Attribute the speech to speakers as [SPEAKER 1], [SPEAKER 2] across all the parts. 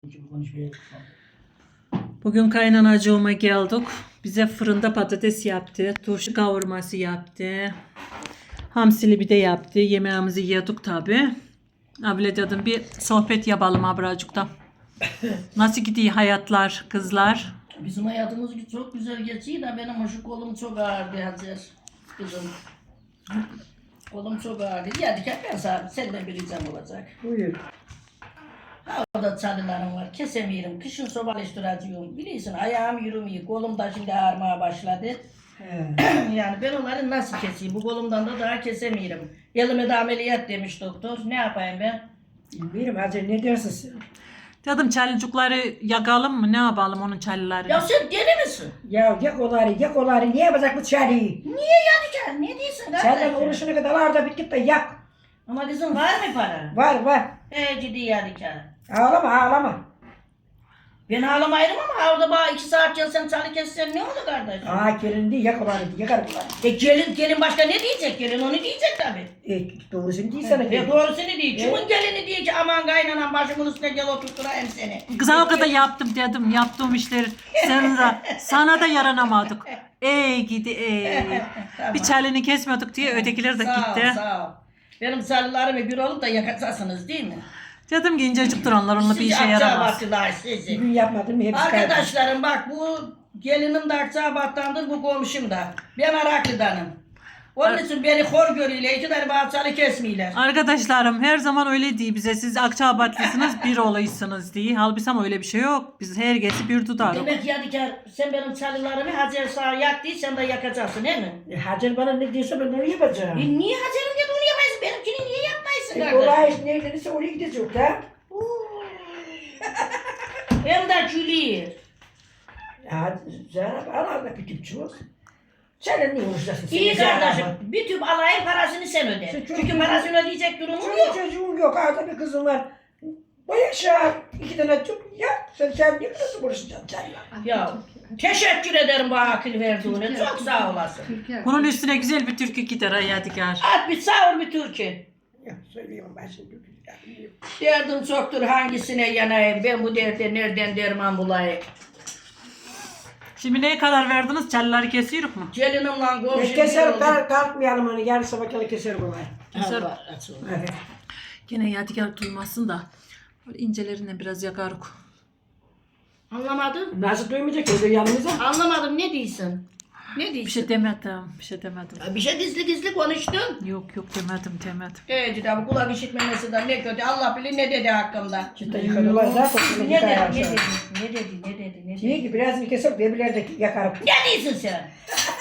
[SPEAKER 1] Bugün kaynanacığıma geldik. Bize fırında patates yaptı. Turşu kavurması yaptı. Hamsili bir de yaptı. Yemeğimizi yedik tabi. Abla dedim bir sohbet yapalım abracıkta. Nasıl gidiyor hayatlar kızlar?
[SPEAKER 2] Bizim hayatımız çok güzel geçiyor da benim şu kolum çok ağrıdı Hacer kızım. Kolum çok ağrıdı. Yedik hep ben sana senden bir ricam olacak.
[SPEAKER 3] Buyur.
[SPEAKER 2] Ha orada çalılarım var kesemiyorum. Kışın sobalıştıracağım. Biliyorsun ayağım yürümüyor. Kolum da şimdi ağrımaya başladı.
[SPEAKER 3] He.
[SPEAKER 2] Yani ben onları nasıl keseyim? Bu kolumdan da daha kesemiyorum. Elime de ameliyat demiş doktor. Ne yapayım ben?
[SPEAKER 3] Bilmiyorum Hacer ne dersin sen?
[SPEAKER 1] Dedim çalıcıkları yakalım mı? Ne yapalım onun çalılarını?
[SPEAKER 2] Ya sen deli misin?
[SPEAKER 3] Ya yak oları niye yapacak bu çareyi?
[SPEAKER 2] Niye yanıcaksın? Ne diyorsun
[SPEAKER 3] Senden
[SPEAKER 2] kardeşim?
[SPEAKER 3] uğraşana kadar var da bir git de yak.
[SPEAKER 2] Ama kızım var mı para?
[SPEAKER 3] Var.
[SPEAKER 2] Ciddi yanıcak.
[SPEAKER 3] Ağlama.
[SPEAKER 2] Ben ağlamayırım ama orada bana 2 saat sen çalı kessen ne olur kardeşim?
[SPEAKER 3] Gelin değil yak oları yakar bunları.
[SPEAKER 2] Gelin başka ne diyecek? Gelin onu diyecek tabii.
[SPEAKER 3] Doğrusunu değil sana.
[SPEAKER 2] Doğrusunu diyor. Kimin gelini diyor ki aman kaynanan başımın üstüne gel oturtturayım seni.
[SPEAKER 1] Kız o kadar yaptım dedim. Yaptığım işleri sana da yaranamadık. Ey gidi ey.
[SPEAKER 2] Tamam.
[SPEAKER 1] Bir çalını kesmiyorduk diye ötekiler de gitti.
[SPEAKER 2] Sağ ol. Benim çalılarımı bir olup da yakacaksınız değil mi?
[SPEAKER 1] Dedim ki incecik duranlar onunla bir işe yaramaz.
[SPEAKER 2] Akçabatlılar sizi.
[SPEAKER 3] Bugün yapmadım mı hepsi kayboldu.
[SPEAKER 2] Arkadaşlarım bak bu gelinim de Akçabat'tandır, bu komşum da. Ben Araklı'danım. Onun için beni hor görüyorlar. 2 tane bahçeli kesmiyorlar.
[SPEAKER 1] Arkadaşlarım her zaman öyle diye bize siz Akçaabatlısınız bir olaysınız diye. Halbuki ama öyle bir şey yok. Biz herkesi bir tutarız.
[SPEAKER 2] Demek Yadigar sen benim çalılarımı Hacer sağa yak değil sen de yakacaksın değil mi?
[SPEAKER 3] Hacer bana ne diyorsa ben onu yapacağım.
[SPEAKER 2] Niye Hacer'im dedi onu yapaysın? Benimkini niye yapmaysın kardeşim?
[SPEAKER 3] Olay iş neredeyse oraya gidecek ha.
[SPEAKER 2] Hem de gülüyor.
[SPEAKER 3] Ya Zeynep Allah küçük çok. Sen ne uğraşacaksın?
[SPEAKER 2] İyi kardeşim. Bir tüp alayım parasını sen öde.
[SPEAKER 3] Sen
[SPEAKER 2] Çünkü parasını ödeyecek durumum
[SPEAKER 3] Senin
[SPEAKER 2] yok.
[SPEAKER 3] çocuğun yok. Arada bir kızın var. Bu yaşa 2 tane çocuk ya. Sen niye nasıl uğraşacaksın canla?
[SPEAKER 2] Ya teşekkür ederim bu akıl verdiğine. Çok sağ olasın.
[SPEAKER 1] Bunun üstüne güzel bir türkü gider ha Yadigar.
[SPEAKER 2] At bir sağır bir türkü.
[SPEAKER 3] Ya söyleyeyim ben şimdi.
[SPEAKER 2] Derdim çoktur hangisine yanayım. Ben bu derde nereden derman bulayım.
[SPEAKER 1] Şimdi neye karar verdiniz? Çalıları kesiyoruz mu?
[SPEAKER 2] Gelinimle komşum.
[SPEAKER 3] Keser kalkmayalım onu. Yarın sabah kadar keser kolay.
[SPEAKER 1] Keser.
[SPEAKER 3] Evet.
[SPEAKER 1] Gene Yadigar duymasın da. Böyle incelerinden biraz yakarık.
[SPEAKER 2] Anlamadım.
[SPEAKER 3] Nasıl duymayacak öyle yanımıza?
[SPEAKER 2] Anlamadım ne diyorsun? Ne diyorsun?
[SPEAKER 1] Bir şey demedim. Bir şey demedim.
[SPEAKER 2] Bir şey gizli konuştun.
[SPEAKER 1] Yok demedim.
[SPEAKER 2] Evet bu kulak işitmemesi de ne kötü. Allah bilir ne dedi hakkımda.
[SPEAKER 3] Cidden yıkadılar zaten.
[SPEAKER 2] Ne dedi?
[SPEAKER 3] Diye ki biraz bir keser birbirleri de yakarım.
[SPEAKER 2] Ne diyorsun sen?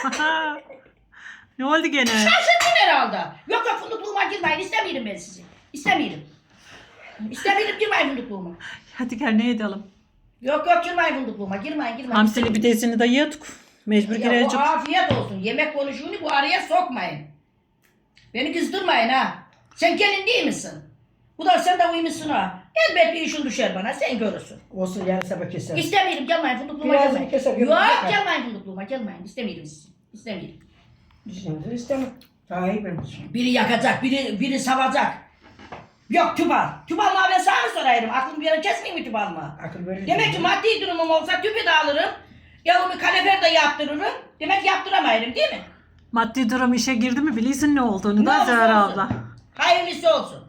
[SPEAKER 1] Ne oldu gene?
[SPEAKER 2] Şaşırdın herhalde. Yok fındıkluğuma girmeyin. İstemiyorum ben sizi. İstemiyorum girmeyin fındıkluğuma.
[SPEAKER 1] Yadigar ne edelim?
[SPEAKER 2] Yok girmeyin fındıkluğuma. Girmeyin.
[SPEAKER 1] Hamsili pidesini de yedik. Mecbur
[SPEAKER 2] Ya
[SPEAKER 1] girecek.
[SPEAKER 2] bu afiyet olsun. Yemek konuşuğunu bu araya sokmayın. Beni kızdırmayın ha. Sen gelin değil misin? Bu da sen de uymuşsun ha. Elbet bir işin düşer bana. Sen görürsün.
[SPEAKER 3] Olsun yarın sabah keser.
[SPEAKER 2] İstemiyorum. Gelmeyin fındıkluğuma
[SPEAKER 3] Biraz
[SPEAKER 2] gelmeyin.
[SPEAKER 3] bir keser,
[SPEAKER 2] Yok
[SPEAKER 3] yapar.
[SPEAKER 2] gelmeyin fındıkluğuma. Gelmeyin. İstemiyorum sizi. İstemiyorum.
[SPEAKER 3] Şimdi istemem. Daha iyi benim için.
[SPEAKER 2] Biri yakacak, biri savacak. Yok tüpal. Tüpal mı ben sana mı sorayım? Aklım bir yere kesmeyeyim mi tüpal mı?
[SPEAKER 3] Akıl verir.
[SPEAKER 2] Demek ki maddi durumum olsa tüpü de alırım. Yavumu kalefer de yaptırırım. Demek yaptıramayırım değil mi?
[SPEAKER 1] Maddi durum işe girdi mi bilirsin ne olduğunu
[SPEAKER 2] Ne
[SPEAKER 1] da
[SPEAKER 2] olursa
[SPEAKER 1] Zehra
[SPEAKER 2] olsun.
[SPEAKER 1] abla.
[SPEAKER 2] Hayırlısı olsun.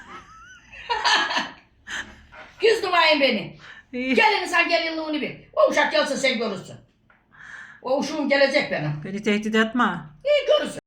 [SPEAKER 2] Kızdırmayın beni.
[SPEAKER 1] İyi.
[SPEAKER 2] Gelin sen gelinliğini bil. O uşak gelsin sen görürsün. O uşağım gelecek benim.
[SPEAKER 1] Beni tehdit etme.
[SPEAKER 2] İyi görürsün.